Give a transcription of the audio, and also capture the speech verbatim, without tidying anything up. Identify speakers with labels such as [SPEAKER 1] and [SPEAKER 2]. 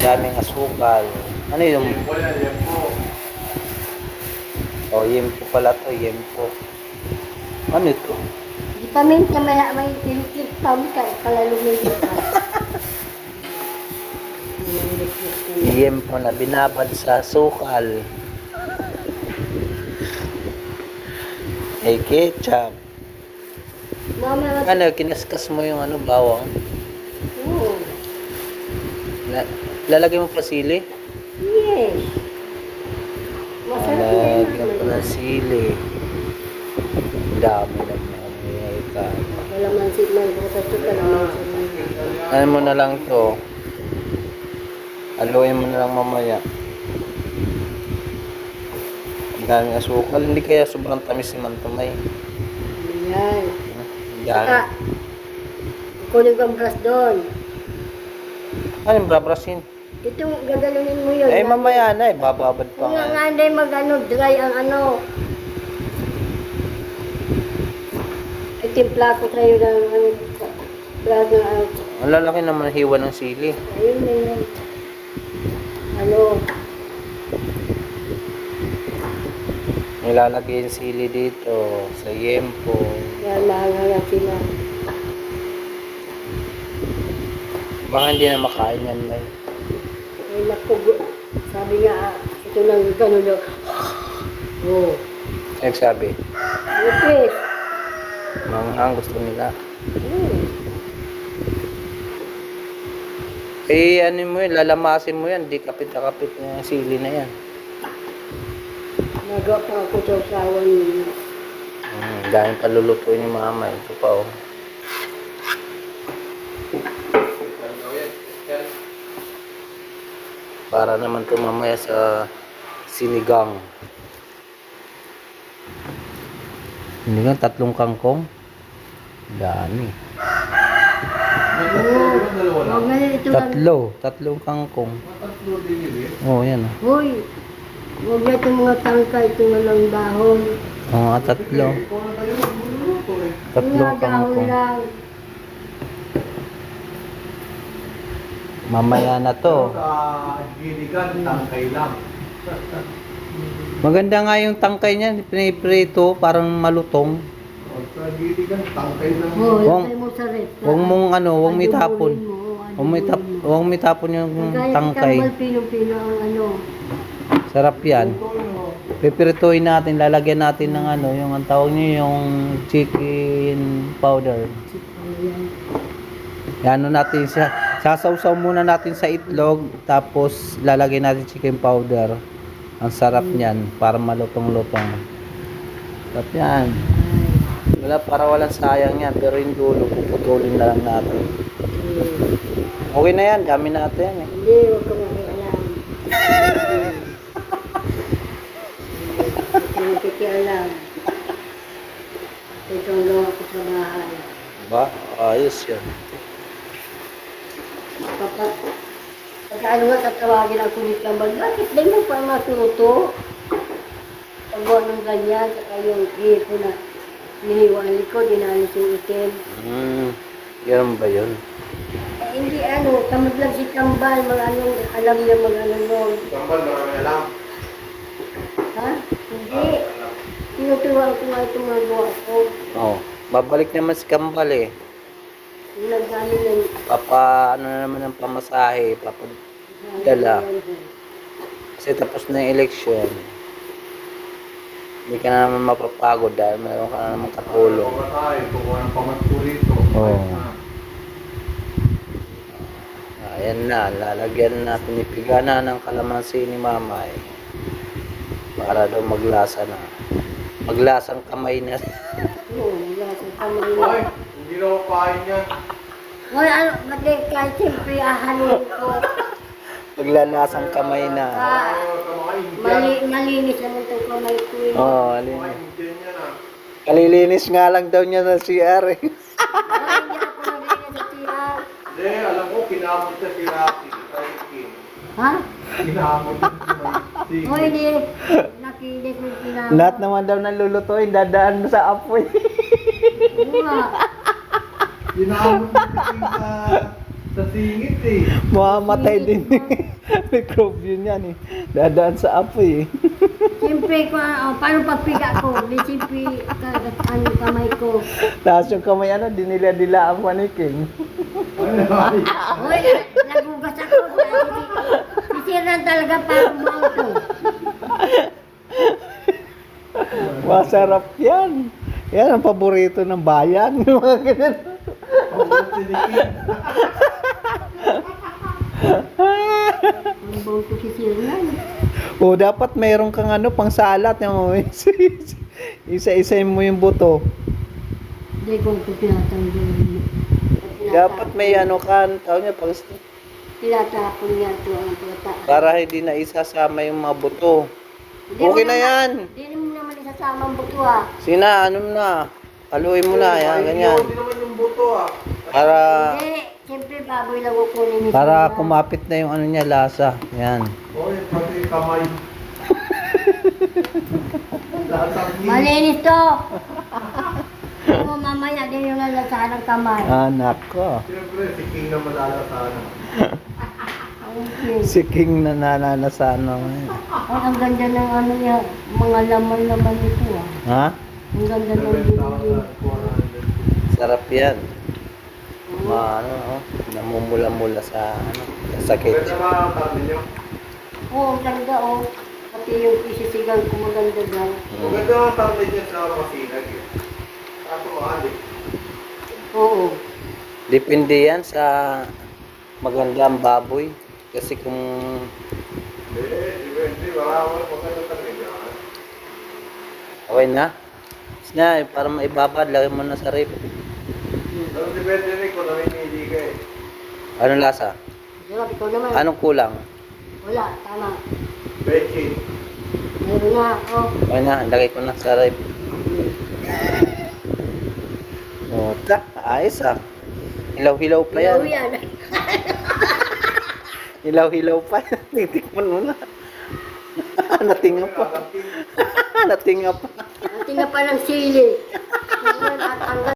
[SPEAKER 1] daming asukal. Ano yung...
[SPEAKER 2] Wala, yan po.
[SPEAKER 1] Oh, yempo pala to, yempo. Ano ito?
[SPEAKER 3] Di pa minsan may may tinikip tam ka pala lumilip ka.
[SPEAKER 1] Yempo na binabad sa sukal. Ay, ketchup.
[SPEAKER 3] Mama,
[SPEAKER 1] Ano, kinaskas mo yung ano, bawang.
[SPEAKER 3] oo.
[SPEAKER 1] La- lalagay mo pa sili?
[SPEAKER 3] Yes. Masarap yan.
[SPEAKER 1] Lalagyan pa ng sili. Ang dami na mga ka.
[SPEAKER 3] Kalamansi man, bukas ito kalamansi man.
[SPEAKER 1] Ano mo na lang to. Haluin mo na lang mamaya. Ang daming asukal. Hindi kaya sobrang tamis si Mantumay.
[SPEAKER 3] Ayan.
[SPEAKER 1] Yan.
[SPEAKER 3] Saka, kunin ko ang brush doon.
[SPEAKER 1] Ano yung brabrasin?
[SPEAKER 3] Ito, gagalunin mo yun.
[SPEAKER 1] Eh, mamaya na eh. Bababad pa
[SPEAKER 3] Kung nga
[SPEAKER 1] nga.
[SPEAKER 3] nga hindi mag-ano, dry ang ano. Itimpla ko sa'yo ng ano, plato ng ano.
[SPEAKER 1] Ang lalaki naman hiwa ng sili.
[SPEAKER 3] Ayun na yun. Ano,
[SPEAKER 1] Nilalagay yung sili dito sa yempo.
[SPEAKER 3] yan mahanga sila.
[SPEAKER 1] Baka hindi na makain yan, May.
[SPEAKER 3] Ay, naku, sabi nga, ah, ito lang gano'n daw. Oo.
[SPEAKER 1] Nagsabi,
[SPEAKER 3] Lupis.
[SPEAKER 1] mga ang gusto nila.
[SPEAKER 3] Hmm.
[SPEAKER 1] Eh, ano mo yun, lalamasin mo yan. Di kapit na kapit na yung sili na yan.
[SPEAKER 3] Nagawa pa ako sa usawa niya.
[SPEAKER 1] Hmm, dahil palulutuin ni mama. Ito pa, oh. Para naman ito mamaya sa sinigang. Sinigang, tatlong kangkong. Dami.
[SPEAKER 3] Oo. Huwag na ito lang.
[SPEAKER 1] Tatlo. Tatlong kangkong.
[SPEAKER 2] Tatlo din yun eh.
[SPEAKER 1] Oh, yan, oh.
[SPEAKER 3] Hoy, huwag na itong mga tangka, ito nga lang dahon.
[SPEAKER 1] Oo, nga, tatlo.
[SPEAKER 2] Ikaw na tayo magluluto eh.
[SPEAKER 1] Tatlong
[SPEAKER 3] Mga dahon
[SPEAKER 1] kangkong.
[SPEAKER 3] lang.
[SPEAKER 1] Mamaya na to.
[SPEAKER 2] Sa giligan, tangkay lang.
[SPEAKER 1] Maganda nga yung tangkay niya, piniprito, parang malutong.
[SPEAKER 2] O, sa giligan, tangkay lang.
[SPEAKER 3] Oo,
[SPEAKER 1] Huwag-
[SPEAKER 3] lagay mo sa ref.
[SPEAKER 1] Huwag mong ano, huwag may
[SPEAKER 3] Adubulin
[SPEAKER 1] tapon.
[SPEAKER 3] mo,
[SPEAKER 1] Huwag may, tap,
[SPEAKER 3] adubulin mo.
[SPEAKER 1] huwag may tapon yung
[SPEAKER 3] Kaya
[SPEAKER 1] tangkay.
[SPEAKER 3] kambal pino-pino ang ano.
[SPEAKER 1] Sarap yan.
[SPEAKER 2] Ito, no.
[SPEAKER 1] Pipirituin natin, lalagyan natin ng ano, yung ang tawag niyo yung chicken powder.
[SPEAKER 3] Ayan.
[SPEAKER 1] Yan ano natin siya. Sasawsaw muna natin sa itlog, tapos lalagyan natin chicken powder. Ang sarap niyan, para malutong-lutong. Sarap yan. Wala, para walang sayang yan, pero yung dulo, puputulin na lang natin.
[SPEAKER 3] Hmm.
[SPEAKER 1] Okay na yan, dami natin yan eh.
[SPEAKER 3] Hindi, huwag ka makialam. Huwag ka makikialam. Ito ang gawa ko sa bahay.
[SPEAKER 1] Ba? Ayos yan.
[SPEAKER 3] Papa, pagka ano nga tatawagin ang kulit kambal, bakit di mo pa matuto? Pagawa ng ganyan, saka yung hipo na hiniwali ko, dinalis yung itim.
[SPEAKER 1] Hmm, yan ba yun?
[SPEAKER 3] Eh, hindi ano, tamad lang si kambal, mga anong, alam niya mga ano nun.
[SPEAKER 2] Sambal, marami alam.
[SPEAKER 3] Ha? Hindi. Tinuturuan ko nga itong mga gawa ko.
[SPEAKER 1] Oo. Babalik naman si Kambal eh.
[SPEAKER 3] Yung nagdali ng...
[SPEAKER 1] Papa, ano na naman ang pamasahe, papadala. Kasi tapos na yung eleksyon. Hindi ka na naman mapapagod dahil mayroon ka na naman katulong.
[SPEAKER 2] Kuha tayo, kuha ng pamatko rito.
[SPEAKER 1] Oo.
[SPEAKER 2] Ah.
[SPEAKER 1] Ayan na, lalagyan natin ipigana ng kalamansi ni Mama eh. Para daw maglasa na. Maglasang kamay na.
[SPEAKER 3] Oo, wala sa kamay
[SPEAKER 2] Ay,
[SPEAKER 3] na.
[SPEAKER 2] hindi na ako kain yan.
[SPEAKER 3] Hoy, ano, mati, kahit siyempre ahalin ko.
[SPEAKER 1] Maglalasang kamay na.
[SPEAKER 3] Ah,
[SPEAKER 2] Ayaw ka makain
[SPEAKER 3] mali, malinis naman itong kamay ko eh.
[SPEAKER 1] Oo, oh, alin.
[SPEAKER 2] Makain dyan yan ah.
[SPEAKER 1] Kalilinis nga lang daw niya sa C R eh.
[SPEAKER 3] Ay, hindi ako nalinis sa tiyan.
[SPEAKER 2] Hindi, alam ko, kinamot siya si Rocky. Rocky.
[SPEAKER 3] Ha?
[SPEAKER 2] Kinamot siya si
[SPEAKER 3] Hoy, hindi. Nakinis mo sinama.
[SPEAKER 1] Lahat naman daw nalulutuin, dadaan mo sa apoy.
[SPEAKER 3] Oo nga.
[SPEAKER 2] Kinamot siya sa Sa singit eh.
[SPEAKER 1] Mamamatay din. Microbe yun yan eh. Dadaan sa apoy eh.
[SPEAKER 3] Siyempre, kung, oh, paano pagpiga ko? Di siyempre, kagat ano kamay ko.
[SPEAKER 1] Tapos yung kamay ano, dinila-dila ang maniking.
[SPEAKER 3] Uy, nagugas ako. Sisiran talaga para bumaw ko.
[SPEAKER 1] Masarap yan. Yan ang paborito ng bayan. Yung mga ganyan.
[SPEAKER 3] Ang buong ko sisiran.
[SPEAKER 1] O dapat mayroon kang ano pang salat yung isa-isa mo yung buto.
[SPEAKER 3] Hindi ko ito tinatanggal.
[SPEAKER 1] Dapat may ano kan, tawag niya pang
[SPEAKER 3] Tinatapon niya ito ang pata.
[SPEAKER 1] para hindi na isasama yung mga buto.
[SPEAKER 3] Hindi
[SPEAKER 1] Okay
[SPEAKER 3] mo
[SPEAKER 1] na
[SPEAKER 3] naman-
[SPEAKER 1] yan.
[SPEAKER 3] Hindi mo naman isasama ang buto ah.
[SPEAKER 1] Sina, ano na? Haluin mo na, yan, ganyan.
[SPEAKER 2] Hindi naman yung buto ah.
[SPEAKER 1] Para
[SPEAKER 3] Hindi, siyempre baboy lang kukunin ni
[SPEAKER 1] para
[SPEAKER 3] Sira.
[SPEAKER 1] kumapit na yung ano niya lasa. Yan.
[SPEAKER 2] O, yung pati kamay. Lasang ngipin.
[SPEAKER 3] Malinis to! Oo, mamaya din yung lalasahan ng kamay.
[SPEAKER 1] Anak ko.
[SPEAKER 2] Siyempre, si King na malalasanan.
[SPEAKER 3] Okay.
[SPEAKER 1] Si King na nananasano.
[SPEAKER 3] Ay, ang ganda ng ano niya, mga laman-laman nito ah.
[SPEAKER 1] Ha?
[SPEAKER 3] Ang ganda ng
[SPEAKER 2] seven
[SPEAKER 3] bilhin.
[SPEAKER 2] thousand four hundred.
[SPEAKER 1] Sarap yan. Ma, ano, oh, namumula-mula sa ano, sa sakit.
[SPEAKER 2] Pwede mga kami nyo.
[SPEAKER 3] Oo, ang ganda oh. Pati yung isisigang ko maganda daw.
[SPEAKER 2] Maganda ang kami nyo sa masinag eh. Kaso mahal eh.
[SPEAKER 3] Oo.
[SPEAKER 1] Depende yan sa maganda ang baboy. Kasi kung
[SPEAKER 2] Hindi, depende. Wala ko maganda kami nyo.
[SPEAKER 1] okay na, na para maibabad, lagay mo na sa rip.
[SPEAKER 2] Pero depende rin kung namimili ka eh.
[SPEAKER 1] Anong lasa?
[SPEAKER 3] Sarap, ikaw naman.
[SPEAKER 1] Anong kulang?
[SPEAKER 3] Wala, tama.
[SPEAKER 2] Bechin.
[SPEAKER 3] Meron na, oh.
[SPEAKER 1] Okay na, lagay ko na sa rip. O, ta, ayos ah. Hilaw-hilaw pa yan.
[SPEAKER 3] Ilaw yan.
[SPEAKER 1] Hilaw-hilaw pa yan. Titikman mo na. Natinga pa. Natinga pa.
[SPEAKER 3] Ang tinga pa ng sili. Ang